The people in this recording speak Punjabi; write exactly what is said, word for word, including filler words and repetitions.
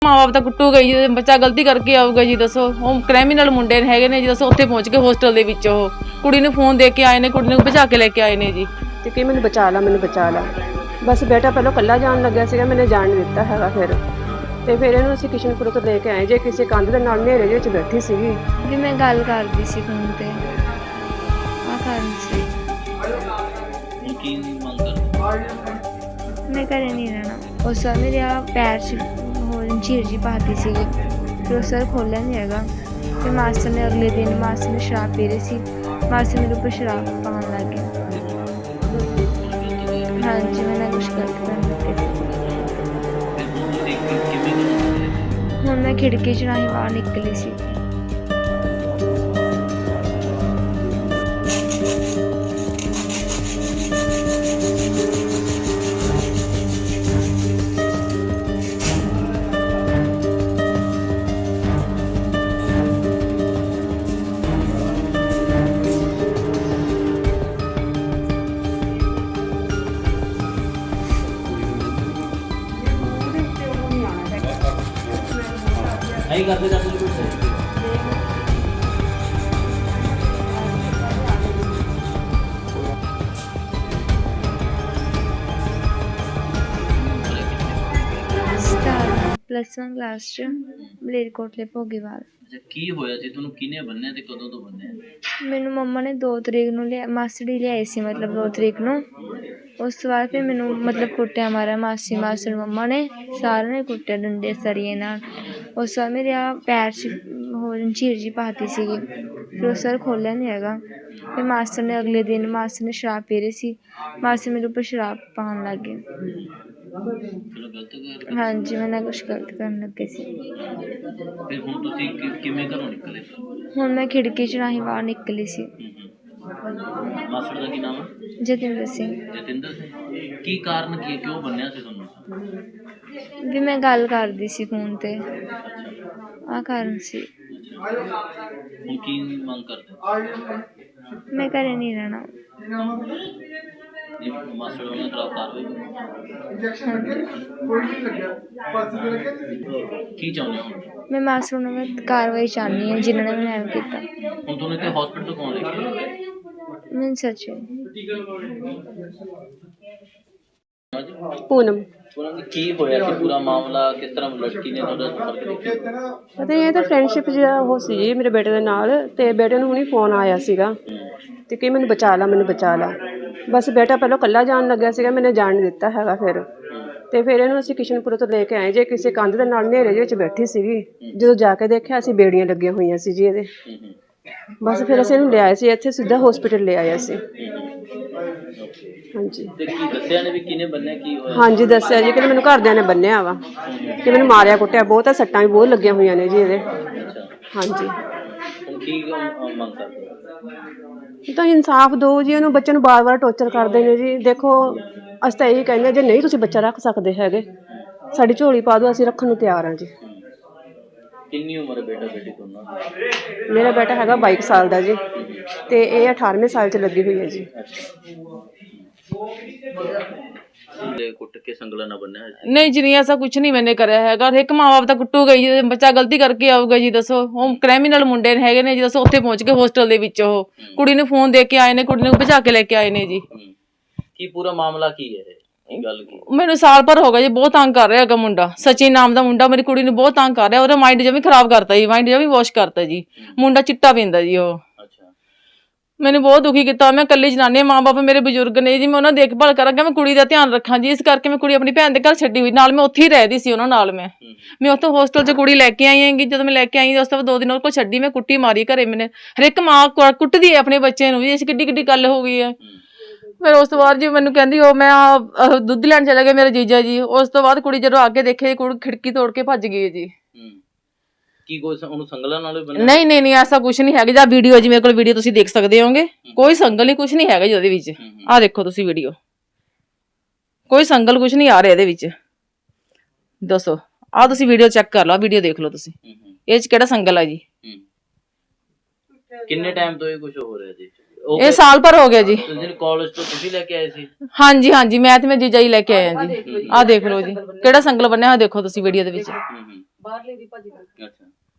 ਮਾਂ ਬਾਪ ਤਾਂ ਕੁੱਟੂਗਾ ਜੀ, ਬੱਚਾ ਗਲਤੀ ਕਰਕੇ ਆਊਗਾ ਜੀ। ਦੱਸੋ ਉਹ ਕ੍ਰਿਮੀਨਲ ਮੁੰਡੇ ਹੈਗੇ ਨੇ ਜੀ। ਦੱਸੋ ਉੱਥੇ ਪਹੁੰਚ ਕੇ ਹੋਸਟਲ ਦੇ ਵਿੱਚ ਉਹ ਕੁੜੀ ਨੂੰ ਫੋਨ ਦੇ ਕੇ ਆਏ ਨੇ, ਕੁੜੀ ਨੂੰ ਭਜਾ ਕੇ ਲੈ ਕੇ ਆਏ ਨੇ ਜੀ। ਤੇ ਕਿ ਮੈਨੂੰ ਬਚਾ ਲਾ ਮੈਨੂੰ ਬਚਾ ਲਾ ਬਸ। ਬੇਟਾ ਪਹਿਲਾਂ ਕੱਲਾ ਜਾਣ ਲੱਗਿਆ ਸੀਗਾ, ਮੈंने ਜਾਣ ਨਹੀਂ ਦਿੱਤਾ ਹੈਗਾ। ਫਿਰ ਤੇ ਫਿਰ ਇਹਨੂੰ ਅਸੀਂ ਕਿਸ਼ਨਪੁਰ ਤੋਂ ਲੈ ਕੇ ਆਏ ਜੇ ਕਿਸੇ ਕੰਧ ਦੇ ਨਾਲ ਹਨੇਰੇ ਦੇ ਵਿੱਚ ਬੈਠੀ ਸੀਗੀ ਵੀ ਮੈਂ ਗੱਲ ਕਰਦੀ ਸੀ ਫੋਨ ਤੇ ਆ ਕਾਰਨ ਸੀ ਕੀ ਮੰਗ ਕਰਦੇ? ਮੈਂ ਘਰੇ ਨਹੀਂ ਰਹਿਣਾ। ਉਸ ਵਾਰ ਮੇਰੇ ਆ ਪੈਰ 'ਚ ਹੋਰ ਜੀਰ ਜੀ ਪਾਤੀ ਸੀਗੀ, ਫਿਰ ਉਸ ਵਾਰ ਖੋਲ੍ਹਿਆ ਨਹੀਂ ਹੈਗਾ। ਤੇ ਮਾਸਟਰ ਨੇ ਅਗਲੇ ਦਿਨ ਮਾਸਟਰ ਨੇ ਸ਼ਰਾਬ ਪੀ ਰਹੀ ਸੀ, ਮਾਸਟਰ ਮੇਰੇ ਉੱਪਰ ਸ਼ਰਾਬ ਪਾਉਣ ਲੱਗ ਗਿਆ। ਹਾਂਜੀ ਮੈਂ ਨਾ ਕੁਛ ਗਲਤ ਕਰਨ ਲੱਗੇ ਸੀ। ਹੁਣ ਮੈਂ ਖਿੜਕੀ 'ਚ ਰਾਹੀਂ ਬਾਹਰ ਨਿਕਲੀ ਸੀ। ਨਹੀਂ ਕਰਦੇ ਜਾਂਦੇ ਕੁਝ ਪਲੱਸ ਵਨ ਕਲਾਸ 'ਚ ਮਲੇਰਕੋਟਲੇ ਭੋਗੀਵਾਲ। ਅੱਛਾ, ਕੀ ਹੋਇਆ ਸੀ ਤੁਹਾਨੂੰ? ਕਿਹਨੇ ਬੰਨਿਆ ਤੇ ਕਦੋਂ ਤੋਂ ਬੰਨਿਆ? ਮੈਨੂੰ ਮੰਮਾ ਨੇ ਦੋ ਤਰੀਕ ਨੂੰ ਲਿਆ, ਮਾਸੜੀ ਲਿਆਈ ਸੀ ਮਤਲਬ ਦੋ ਤਰੀਕ ਨੂੰ। ਉਸ ਤੋਂ ਬਾਅਦ ਫਿਰ ਮੈਨੂੰ ਮਤਲਬ ਕੁੱਟਿਆ ਮਾਰਿਆ ਮਾਸੀ ਮਾਸੜ ਮੰਮਾ ਨੇ, ਸਾਰਿਆਂ ਨੇ ਕੁੱਟਿਆ ਡੰਡੇ ਸਰੀਏ ਨਾਲ। ਉਸ ਤੋਂ ਬਾਅਦ ਮੇਰੇ ਆ ਪੈਰ 'ਚ ਹੋਰ ਜੀਰ ਜੀ ਪਾਤੀ ਸੀਗੀ, ਫਿਰ ਉਸ ਵਾਰ ਖੋਲ੍ਹਿਆ ਨਹੀਂ ਹੈਗਾ। ਫਿਰ ਮਾਸਟਰ ਨੇ ਅਗਲੇ ਦਿਨ ਮਾਸਟਰ ਨੇ ਸ਼ਰਾਬ ਪੀ ਰਹੀ ਸੀ, ਮਾਸਟਰ ਮੇਰੇ ਉੱਪਰ ਸ਼ਰਾਬ ਪਾਉਣ ਲੱਗ ਗਏ। ਚਲੋ ਗਲਤ ਕਰ। ਹਾਂਜੀ ਮੈਂ ਨਾ ਕੁਛ ਗਲਤ ਕਰਨ ਲੱਗੇ ਸੀ। ਫਿਰ ਹੁਣ ਤੁਸੀਂ ਕਿ- ਕਿਵੇਂ ਘਰੋਂ ਨਿਕਲੇ? ਹੁਣ ਮੈਂ ਖਿੜਕੀ 'ਚ ਰਾਹੀਂ ਬਾਹਰ ਨਿਕਲੀ ਸੀ। ਮਾਸੜ ਦਾ ਕੀ ਨਾਮ ਹੈ? ਜਤਿੰਦਰ ਸਿੰਘ। ਜਤਿੰਦਰ ਸਿੰਘ। ਕੀ ਕਾਰਨ ਕੀ ਹੈ, ਕਿਉਂ ਬੰਨਿਆ ਸੀ ਤੁਹਾਨੂੰ? ਵੀ ਮੈਂ ਗੱਲ ਕਰਦੀ ਸੀ ਫੋਨ ਤੇ ਆ ਕਾਰਨ ਸੀ। ਹੁਣ ਕੀ ਮੰਗ ਕਰਦੇ? ਮੈਂ ਘਰੇ ਨਹੀਂ ਰਹਿਣਾ। ਇਹ ਮਾਸੜ ਉਹਨਾਂ ਖਿਲਾਫ ਕਾਰਵਾਈ ਕਰੋ। ਕੀ ਚਾਹੁੰਦੇ ਹੋ? ਮੈਂ ਮਾਸਟਰ ਨੂੰ ਮੈਂ ਕਾਰਵਾਈ ਚਾਹੁੰਦੀ ਹਾਂ ਜਿਨ੍ਹਾਂ ਨੇ ਮੈਨੂੰ ਐਵੇਂ ਕੀਤਾ। ਹੁਣ ਤੁਹਾਨੂੰ ਇੱਥੇ ਹਸਪੀਟਲ ਕੌਣ ਲੈ ਕੇ ਆਇਆ? ਮੈਨੂੰ ਸੱਚ ਪੂਨਮ। ਉਹਨਾਂ ਦੀ ਕੀ ਹੋਇਆ ਸੀ ਪੂਰਾ ਮਾਮਲਾ? ਕਿਸ ਤਰ੍ਹਾਂ ਲੜਕੀ ਨੇ ਤੁਹਾਡਾ ਸੰਪਰਕ ਕੀਤਾ? ਪਤਾ ਇਹ ਤਾਂ ਫਰੈਂਡਸ਼ਿਪ ਜਿਹੜਾ ਉਹ ਸੀ ਜੀ ਮੇਰੇ ਬੇਟੇ ਦੇ ਨਾਲ। ਤੇ ਬੇਟੇ ਨੂੰ ਹੁਣੀ ਫੋਨ ਆਇਆ ਸੀਗਾ ਤੇ ਕਿ ਮੈਨੂੰ ਬਚਾ ਲਾ ਮੈਨੂੰ ਬਚਾ ਲਾ ਬਸ। ਬੇਟਾ ਪਹਿਲਾਂ ਕੱਲਾ ਜਾਣ ਲੱਗਿਆ ਸੀਗਾ, ਮੈंने ਜਾਣ ਨਹੀਂ ਦਿੱਤਾ ਹੈਗਾ। ਫਿਰ ਤੇ ਫਿਰ ਇਹਨੂੰ ਅਸੀਂ ਕਿਸ਼ਨਪੁਰ ਤੋਂ ਲੈ ਕੇ ਆਏ ਜੇ ਕਿਸੇ ਕੰਧ ਦੇ ਨਾਲ ਹਨੇਰੇ ਦੇ ਵਿੱਚ ਬੈਠੀ ਸੀਗੀ। ਜਦੋਂ ਜਾ ਕੇ ਦੇਖਿਆ ਅਸੀਂ ਬੇੜੀਆਂ ਲੱਗੀਆਂ ਹੋਈਆਂ ਸੀ ਜੀ ਇਹਦੇ। ਬਸ ਫਿਰ ਅਸੀਂ ਇਹਨੂੰ ਲਿਆਏ ਸੀ ਇੱਥੇ, ਸਿੱਧਾ ਹਸਪੀਟਲ ਲੈ ਆਏ ਅਸੀਂ। ਹਾਂਜੀ ਤੇ ਕੀ ਦੱਸਿਆ ਨੇ ਵੀ ਕਿਹਨੇ ਬੰਨਿਆ, ਕੀ ਹੋਇਆ? ਹਾਂਜੀ ਦੱਸਿਆ ਜੀ ਕਿ ਮੈਨੂੰ ਘਰਦਿਆਂ ਨੇ ਬੰਨਿਆ ਵਾ, ਕਿ ਮੈਨੂੰ ਮਾਰਿਆ ਕੁੱਟਿਆ ਬਹੁਤ ਆ, ਸੱਟਾਂ ਵੀ ਬਹੁਤ ਲੱਗੀਆਂ ਹੋਈਆਂ ਨੇ ਜੀ ਇਹਦੇ। ਹਾਂਜੀ ਹੁਣ ਕੀ ਮੰਗ ਕਰਦੇ ਹੋ? ਤਾਂ ਇਨਸਾਫ ਦਿਓ ਜੀ ਉਹਨੂੰ। ਬੱਚੇ ਨੂੰ ਬਾਰ-ਬਾਰ ਟੌਰਚਰ ਕਰਦੇ ਨੇ ਜੀ। ਦੇਖੋ ਅਸੀਂ ਤਾਂ ਇਹੀ ਕਹਿੰਦੇ ਹਾਂ, ਜੇ ਨਹੀਂ ਤੁਸੀਂ ਬੱਚਾ ਰੱਖ ਸਕਦੇ ਹੈਗੇ ਸਾਡੀ ਝੋਲੀ ਪਾ ਦਿਓ, ਅਸੀਂ ਰੱਖਣ ਨੂੰ ਤਿਆਰ ਹਾਂ ਜੀ। ਕਿੰਨੀ ਉਮਰ ਹੈ ਬੇਟਾ ਬੇਟੀ ਦੋਨਾਂ ਦੀ? ਮੇਰਾ ਬੇਟਾ ਹੈਗਾ ਬਾਈ ਸਾਲ ਦਾ ਜੀ ਤੇ ਇਹ ਅਠਾਰਵੇਂ ਸਾਲ 'ਚ ਲੱਗੀ ਹੋਈ ਹੈ ਜੀ। ਦੇ ਕੁੱਟ ਕੇ ਸੰਗਲਾ ਨਾ ਬੰਨਿਆ ਹੋਇਆ? ਨਹੀਂ ਜੀ, ਨਹੀਂ ਐਸਾ ਕੁਝ ਨਹੀਂ ਮੈंने ਕਰਿਆ ਹੈਗਾ। ਇੱਕ ਮਾਂ ਬਾਪ ਤਾਂ ਕੁੱਟੂਗਾ ਜੀ, ਬੱਚਾ ਗਲਤੀ ਕਰਕੇ ਆਊਗਾ ਜੀ। ਦੱਸੋ ਉਹ ਕ੍ਰਿਮੀਨਲ ਮੁੰਡੇ ਹੈਗੇ ਨੇ ਜੀ। ਦੱਸੋ ਉੱਥੇ ਪਹੁੰਚ ਕੇ ਹੋਸਟਲ ਦੇ ਵਿੱਚ ਉਹ ਕੁੜੀ ਨੂੰ ਫੋਨ ਦੇ ਕੇ ਆਏ ਨੇ, ਕੁੜੀ ਨੂੰ ਭਜਾ ਕੇ ਲੈ ਕੇ ਆਏ ਨੇ ਜੀ। ਕੀ ਪੂਰਾ ਮਾਮਲਾ ਕੀ ਹੈ? ਇਹ ਗੱਲ ਕੀ? ਮੈਨੂੰ ਸਾਲ ਭਰ ਹੋ ਗਿਆ ਜੀ, ਬਹੁਤ ਤੰਗ ਕਰ ਰਿਹਾ ਹੈਗਾ ਮੁੰਡਾ। ਸਚਿਨ ਨਾਮ ਦਾ ਮੁੰਡਾ ਮੇਰੀ ਕੁੜੀ ਨੂੰ ਬਹੁਤ ਤੰਗ ਕਰ ਰਿਹਾ। ਉਹਦਾ ਮਾਈਂਡ ਜਮੀ ਖਰਾਬ ਕਰਤਾ ਜੀ, ਮਾਈਂਡ ਜਮੀ ਵਾਸ਼ ਕਰਤਾ ਜੀ। ਮੁੰਡਾ ਚਿੱਟਾ ਪੀਂਦਾ ਜੀ ਉਹ। ਮੈਨੂੰ ਬਹੁਤ ਦੁਖੀ ਕੀਤਾ। ਮੈਂ ਇਕੱਲੀ ਜਨਾਨੀ, ਮਾਂ ਬਾਪ ਮੇਰੇ ਬਜ਼ੁਰਗ ਨੇ ਜੀ। ਮੈਂ ਉਹਨਾਂ ਦੀ ਦੇਖਭਾਲ ਕਰਾਂਗਾ, ਮੈਂ ਕੁੜੀ ਦਾ ਧਿਆਨ ਰੱਖਾਂ ਜੀ। ਇਸ ਕਰਕੇ ਮੈਂ ਕੁੜੀ ਆਪਣੀ ਭੈਣ ਦੇ ਘਰ ਛੱਡੀ ਹੋਈ, ਨਾਲ ਮੈਂ ਉੱਥੇ ਹੀ ਰਹਿਦੀ ਸੀ ਉਹਨਾਂ ਨਾਲ। ਮੈਂ ਮੈਂ ਉੱਥੋਂ ਹੋਸਟਲ 'ਚ ਕੁੜੀ ਲੈ ਕੇ ਆਈ ਹੈਗੀ। ਜਦੋਂ ਮੈਂ ਲੈ ਕੇ ਆਈ ਉਸ ਤੋਂ ਬਾਅਦ ਦੋ ਦਿਨ ਉਹ ਕੋਲ ਛੱਡੀ, ਮੈਂ ਕੁੱਟੀ ਮਾਰੀ ਘਰੇ। ਮੈਨੇ ਹਰ ਇੱਕ ਮਾਂ ਕੁੱਟਦੀ ਹੈ ਆਪਣੇ ਬੱਚੇ ਨੂੰ ਜੀ। ਇਸ ਕਿੱਡੀ ਕਿੱਡੀ ਗੱਲ ਹੋ ਗਈ ਹੈ। ਫਿਰ ਉਸ ਤੋਂ ਬਾਅਦ ਜੀ ਮੈਨੂੰ ਕਹਿੰਦੀ ਉਹ ਮੈਂ ਦੁੱਧ ਲੈਣ ਚਲਾ ਗਿਆ ਮੇਰਾ ਜੀਜਾ ਜੀ। ਉਸ ਤੋਂ ਬਾਅਦ ਕੁੜੀ ਜਦੋਂ ਅੱਗੇ ਦੇਖੇ, ਕੁੜੀ ਖਿੜਕੀ ਤੋੜ ਕੇ ਭੱਜ ਗਈ ਜੀ। ਕੀ ਕੋਈ ਉਹਨੂੰ ਸੰਗਲਾਂ ਨਾਲ ਨਹੀਂ ਨਹੀਂ ਨਹੀਂ ਐਸਾ ਕੁਝ ਨਹੀਂ ਹੈਗਾ। ਜਾਂ ਵੀਡੀਓ ਜੀ ਮੇਰੇ ਕੋਲ ਵੀਡੀਓ ਤੁਸੀਂ ਦੇਖ ਸਕਦੇ ਹੋਗੇ। ਕੋਈ ਸੰਗਲ ਨਹੀਂ, ਕੁਝ ਨਹੀਂ ਹੈਗਾ ਜੀ ਉਹਦੇ ਵਿੱਚ। ਆਹ ਦੇਖੋ ਤੁਸੀਂ ਵੀਡੀਓ, ਕੋਈ ਸੰਗਲ ਕੁਝ ਨਹੀਂ ਆ ਰਿਹਾ ਇਹਦੇ ਵਿੱਚ। ਦੱਸੋ, ਆਹ ਤੁਸੀਂ ਵੀਡੀਓ ਚੈੱਕ ਕਰ ਲਓ, ਵੀਡੀਓ ਦੇਖ ਲਓ ਤੁਸੀਂ, ਇਹ 'ਚ ਕਿਹੜਾ ਸੰਗਲ ਆ ਜੀ। ਕਿੰਨੇ ਟਾਈਮ ਤੋਂ ਇਹ ਕੁਝ ਹੋ ਰਿਹਾ ਜੀ? ਉਹ ਇਹ ਸਾਲ ਭਰ ਹੋ ਗਿਆ ਜੀ। ਜਿਹੜੇ ਕਾਲਜ ਤੋਂ ਤੁਸੀਂ ਲੈ ਕੇ ਆਏ ਸੀ? ਹਾਂਜੀ ਹਾਂਜੀ, ਮੈਂ ਤੇ ਮੈਂ ਜੀਜਾ ਹੀ ਲੈ ਕੇ ਆਏ ਆ ਜੀ। ਆਹ ਦੇਖ ਲਓ ਜੀ ਕਿਹੜਾ ਸੰਗਲ ਬੰਨਿਆ ਹੋਇਆ, ਦੇਖੋ ਤੁਸੀਂ ਵੀਡੀਓ ਦੇ ਵਿੱਚ। ਬਾਹਰਲੇ ਦੀ ਭਾਜੀ। ਅੱਛਾ